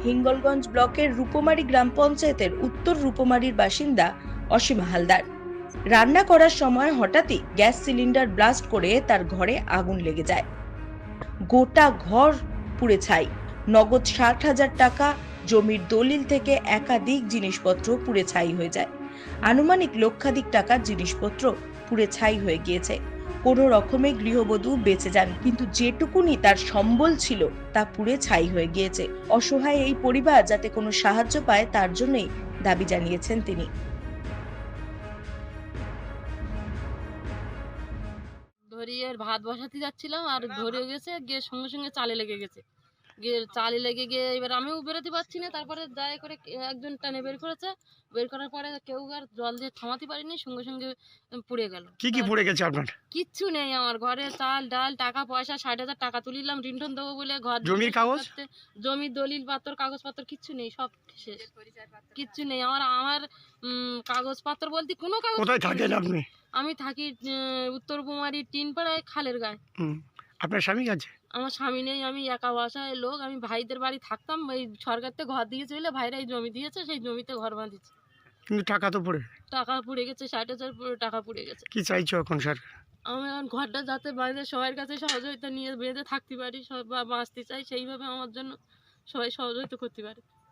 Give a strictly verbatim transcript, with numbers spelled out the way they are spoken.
হিঙ্গলগঞ্জ ব্লকের রূপমারি গ্রাম পঞ্চায়েতের উত্তর রূপমারির বাসিন্দা অসীমা হালদার। রান্না করার সময় হঠাৎই গ্যাস সিলিন্ডার ব্লাস্ট করে তার ঘরে আগুন লেগে যায়। গোটা ঘর পুড়ে ছাই। নগদ ষাট হাজার টাকা, জমির দলিল থেকে একাধিক জিনিসপত্র পুড়ে ছাই হয়ে যায়। আনুমানিক লক্ষাধিক টাকার জিনিসপত্র পুড়ে ছাই হয়ে গিয়েছে। কোনো রকমে গৃহবধূ বেঁচে যান, কিন্তু যেটুকুনি তার সম্বল ছিল তা পুড়ে ছাই হয়ে গিয়েছে। অসহায় এই পরিবার যাতে কোনো সাহায্য পায় তার জন্যই দাবি জানিয়েছেন তিনি। ধরিয়ে ভাত বসাতে যাচ্ছিলাম আর ধরে গেছে, গিয়ে সঙ্গে সঙ্গে চালে লেগে গেছে। গিয়ে চালে লেগে গিয়ে এবার আমিও বেরোতে পারছি না। তারপরে দয়া করে একজন টানে বের করেছে। বের করার পরে কেউ আর জল দিয়ে থামাতে পারিনি, সঙ্গে সঙ্গে পুড়ে গেল। কি কি পুড়ে গেছে আপনার? কিচ্ছু নেই আমার ঘরে। চাল ডাল টাকা পয়সা ষাট হাজার টাকা তুলিলাম রিন্টন দেবো বলে। ঘর জমির কাগজ, জমির দলিল পত্র কাগজপত্র কিচ্ছু নেই, সব শেষ। কিচ্ছু নেই আমার। আমার কাগজপত্র বলতে কোনো কাগজ। কোথায় থাকেন আপনি? আমি থাকি উত্তর কুমারী টিন পাড়ায়, খালের গায়ে। আপনার স্বামী আছে? আমার স্বামী নেই, আমি একা বাসায় লোক। আমি ভাইদের বাড়ি থাকতাম। এই সরকার থেকে ঘর দিয়েছে বলে ভাইরা এই জমি দিয়েছে, সেই জমিতে ঘর বাঁধিয়েছে। কিন্তু টাকা তো পড়ে টাকা পুড়ে গেছে, ষাট হাজার টাকা পুড়ে গেছে। কি চাইছো এখন সরকার? আমি এখন ঘরটা যাতে বাইরে সবার কাছে সহযোগিতা নিয়ে বেঁধে থাকতে পারি, সব বাঁচতে চাই, সেইভাবে আমার জন্য সবাই সহযোগিতা করতে পারে।